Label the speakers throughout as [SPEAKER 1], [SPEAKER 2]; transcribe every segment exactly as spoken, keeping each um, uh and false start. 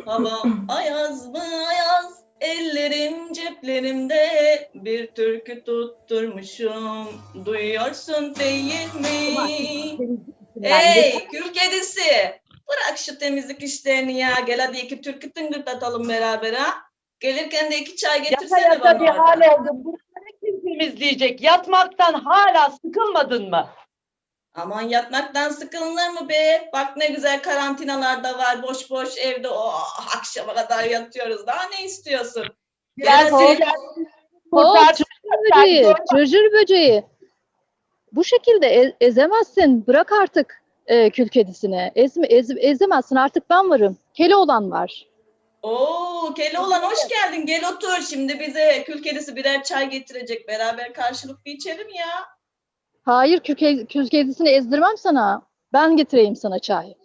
[SPEAKER 1] Hava ayaz mı ayaz, ellerim ceplerimde, bir türkü tutturmuşum, duyuyorsun değil mi? Ey kül kedisi, bırak şu temizlik işlerini ya, gel hadi iki türkü tıngırdatalım beraber ha. Gelirken de iki çay
[SPEAKER 2] Yata
[SPEAKER 1] getirsene
[SPEAKER 2] yata
[SPEAKER 1] bana
[SPEAKER 2] bir
[SPEAKER 1] oradan.
[SPEAKER 2] hal oldum. Bunları kim temizleyecek? Yatmaktan hala sıkılmadın mı?
[SPEAKER 1] Aman yatmaktan sıkılır mı be? Bak ne güzel karantinalarda var, boş boş evde oh, akşama kadar yatıyoruz. Daha ne istiyorsun? Gel
[SPEAKER 2] Biraz
[SPEAKER 1] hadi.
[SPEAKER 3] Hop,
[SPEAKER 2] kurtar.
[SPEAKER 3] cırcır böceği, cırcır böceği. Bu şekilde e- ezemezsin. Bırak artık e, kül kedisini. Ezme, ez- ezemezsin, artık ben varım. Keloğlan var.
[SPEAKER 1] Oo, Keloğlan hoş geldin. Gel otur. Şimdi bize kül kedisi birer çay getirecek. Beraber karşılıklı içelim ya.
[SPEAKER 3] Hayır, kül, ke- kül kedisini ezdirmem sana. Ben getireyim sana çay.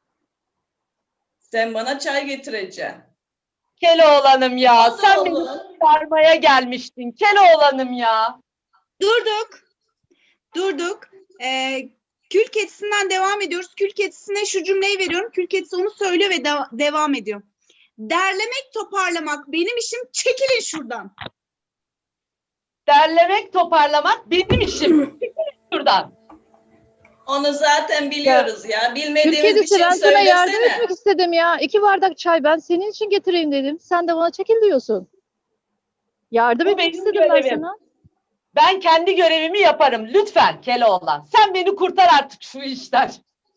[SPEAKER 1] Sen bana çay getireceksin.
[SPEAKER 2] Keloğlanım ya.
[SPEAKER 1] Hadi
[SPEAKER 2] Sen beni
[SPEAKER 1] oğlum.
[SPEAKER 2] kurtarmaya gelmiştin. Keloğlanım ya.
[SPEAKER 4] Durduk. Durduk. Ee, kül kedisinden devam ediyoruz. Kül kedisine şu cümleyi veriyorum. Kül kedisi onu söylüyor ve de- devam ediyor. Derlemek, toparlamak benim işim. Çekilin şuradan.
[SPEAKER 2] Derlemek, toparlamak benim işim. Şuradan.
[SPEAKER 1] Onu zaten biliyoruz ya.
[SPEAKER 3] Kül
[SPEAKER 1] Bilmediğimiz bir
[SPEAKER 3] kedisi,
[SPEAKER 1] şey
[SPEAKER 3] ben sana yardım
[SPEAKER 1] söylesene.
[SPEAKER 3] etmek istedim ya. İki bardak çay ben senin için getireyim dedim. Sen de bana çekil diyorsun. Yardım
[SPEAKER 2] Bu
[SPEAKER 3] etmek
[SPEAKER 2] benim
[SPEAKER 3] istedim ben
[SPEAKER 2] görevim.
[SPEAKER 3] sana.
[SPEAKER 2] Ben kendi görevimi yaparım. Lütfen Keloğlan. Sen beni kurtar artık şu işten.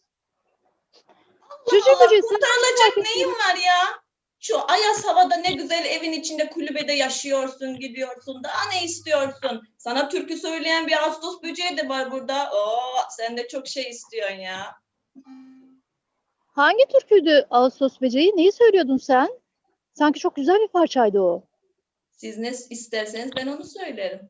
[SPEAKER 3] Cüce
[SPEAKER 1] Allah,
[SPEAKER 3] böceği, sen
[SPEAKER 1] kurtarılacak
[SPEAKER 3] merak
[SPEAKER 1] neyin var ya? Şu ayaz havada ne güzel evin içinde kulübede yaşıyorsun, gidiyorsun. Daha ne istiyorsun? Sana türkü söyleyen bir Ağustos böceği de var burada. Oo, sen de çok şey istiyorsun ya.
[SPEAKER 3] Hangi türküydü Ağustos böceği? Neyi söylüyordun sen? Sanki çok güzel bir parçaydı o.
[SPEAKER 1] Siz ne isterseniz ben onu söylerim.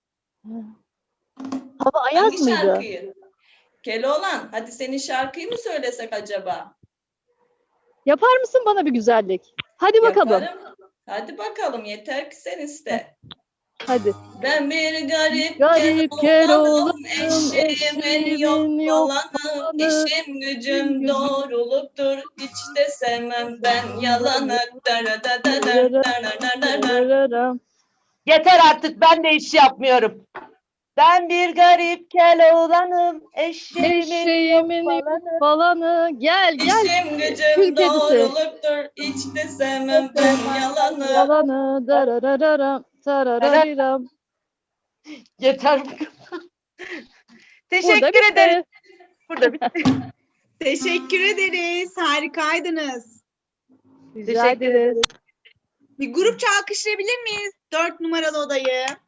[SPEAKER 3] Hava ayaz
[SPEAKER 1] Hangi
[SPEAKER 3] mıydı?
[SPEAKER 1] şarkıyı? Keloğlan, hadi senin şarkıyı mı söylesek acaba?
[SPEAKER 3] Yapar mısın bana bir güzellik? Hadi bakalım.
[SPEAKER 1] Yaparım. Hadi bakalım, yeter ki sen iste.
[SPEAKER 3] Hadi.
[SPEAKER 1] Ben bir garip,
[SPEAKER 3] Garip
[SPEAKER 1] Keloğlanım,
[SPEAKER 3] Keloğlanım,
[SPEAKER 1] eşimin yok
[SPEAKER 3] eşimin yok
[SPEAKER 1] olanı,
[SPEAKER 3] olanı,
[SPEAKER 1] işim gücüm doğruluktur, hiç de sevmem ben yalanı. Dara da da da, dara da da da.
[SPEAKER 3] Rararam.
[SPEAKER 2] Yeter artık, ben de iş yapmıyorum. Ben bir garip Keloğlanım. Eşeğimin
[SPEAKER 3] Eşeğimin
[SPEAKER 2] yok
[SPEAKER 3] yok
[SPEAKER 2] falanı.
[SPEAKER 3] falanı. Gel gel.
[SPEAKER 1] İşim
[SPEAKER 3] Kül
[SPEAKER 1] gücüm
[SPEAKER 3] kedisi.
[SPEAKER 1] doğruluktur, hiç de sevmem ben yalanı.
[SPEAKER 3] Falanı. Dararararam. Tararariram.
[SPEAKER 2] Yeter.
[SPEAKER 3] Burada
[SPEAKER 2] Teşekkür
[SPEAKER 3] bitti.
[SPEAKER 2] ederim. Burada bitti.
[SPEAKER 4] Teşekkür ederiz. Harikaydınız.
[SPEAKER 3] Rica
[SPEAKER 2] Teşekkür
[SPEAKER 3] ederiz.
[SPEAKER 4] Bir grupça alkışlayabilir miyiz? Dört numaralı odayı.